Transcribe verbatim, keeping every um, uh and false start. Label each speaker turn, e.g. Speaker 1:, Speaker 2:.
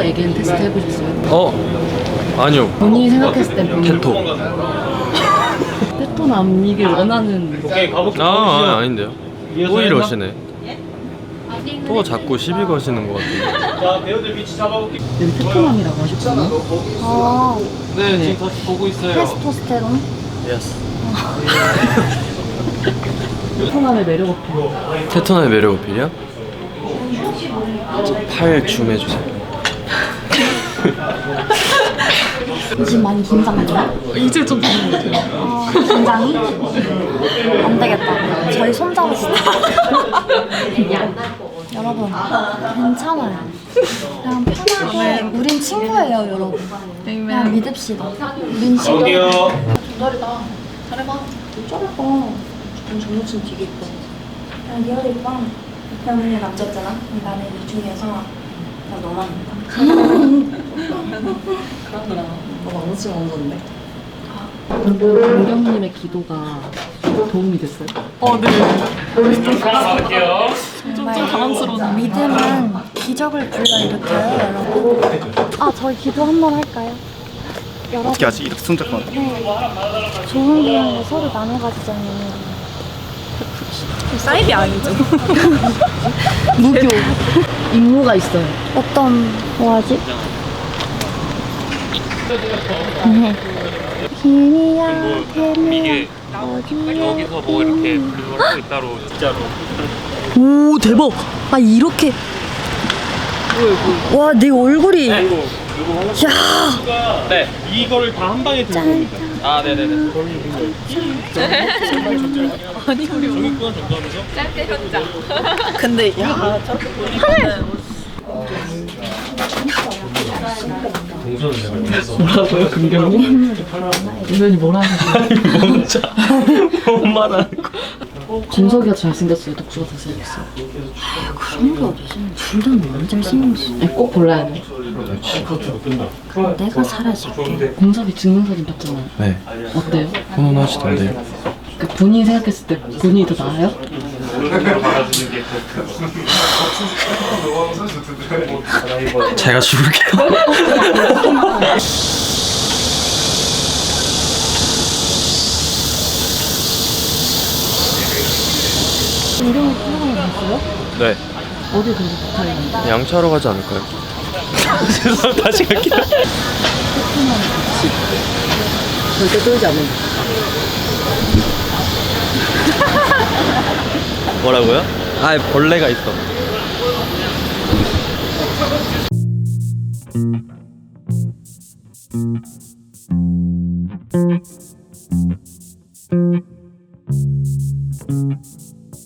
Speaker 1: 얘기한 테스트 해보셨어요?
Speaker 2: 어? 아니요.
Speaker 1: 본인이 생각했을 땐 본인
Speaker 2: 테토.
Speaker 1: 테토 남이길 원하는.
Speaker 2: 아, 아 아닌데요. 또 이러시네. 또 자꾸 시비 거시는 것 같은데.
Speaker 3: 자, 배우들 위치 잡아볼게요.
Speaker 1: 여기 테토남이라고 하셨거든요.
Speaker 4: 아,
Speaker 2: 네.
Speaker 3: 지금 다 보고 있어요.
Speaker 4: 테스토스테론?
Speaker 2: 예스.
Speaker 1: 테토남의 매력 어필.
Speaker 2: 테토남의 매력 어필이요? 팔 줌 해주세요.
Speaker 4: 요즘 많이 긴장돼요?
Speaker 1: 이제 좀 되는 것 같아요.
Speaker 4: 아, 긴장이? 안 되겠다. 저희 손잡읍시다. 여러분, 괜찮아요. 그냥 편하게. 우린 친구예요, 여러분. 그냥 믿읍시다. 우린 친구.
Speaker 3: 갈게요.
Speaker 1: 조달이다. 잘해봐. 잘해봐. 넌 정우진 되게 이뻐.
Speaker 4: 야, 리얼 이뻐. 병원에 남자였잖아. 나는 이 중에서 나 너만 믿다.
Speaker 1: 그러더라. 너 왕치 왕건데. 강경님의 기도가 도움이 됐어요? 어, 네.
Speaker 3: 갈게요.
Speaker 4: 정말 당황스러운. 믿음은 기적을 불러일으켜요, 여러분. 아, 저희 기도 한번 할까요? 여러분.
Speaker 5: 어떻게 하지? 이렇게 손잡고
Speaker 4: 네. 좋은 기운을 서로 나눠 가지자니.
Speaker 6: 사이비 아니죠?
Speaker 1: 무교. 임무가 있어요.
Speaker 4: 어떤 뭐하지? 비밀이야 비밀
Speaker 3: 여기서 뭐 이렇게 분류할 거 따로 진짜로.
Speaker 6: 오 대박! 아 이렇게 와 내 얼굴이 야
Speaker 3: 네, 이거를 다 한 방에 들고 옵니다. 아, 네네네.
Speaker 6: 아니 우리
Speaker 3: 종이권 정도하면서
Speaker 6: 근데 야 저렇게 보니까는
Speaker 1: 뭐라고요, 금경님? 은현이 뭐라 하는
Speaker 2: 뭔자. 뭔 말하는 거.
Speaker 1: 준석이가 잘생겼어요, 덕수가 잘생겼어요?
Speaker 4: 그런 게 어디서 둘다 너무 잘생겼어.
Speaker 1: 아니, 꼭 골라야 돼.
Speaker 4: 그럼 내가 사라질게.
Speaker 1: 공섭이 증명사진 봤잖아요.
Speaker 2: 네.
Speaker 1: 어때요?
Speaker 2: 훈훈하시던데.
Speaker 1: 그 본인이 생각했을 때 본인이 더 나아요?
Speaker 2: 제가 죽을게요.
Speaker 1: 이름을 생각하면 됐어요?
Speaker 2: 네.
Speaker 1: 어디 그래서 부탁해?
Speaker 2: 양치하러 가지 않을까요? 죄송합니다. 다시 갈게요.
Speaker 1: 절대 떨지 않는다.
Speaker 2: 뭐라고요? 아, 벌레가 있어.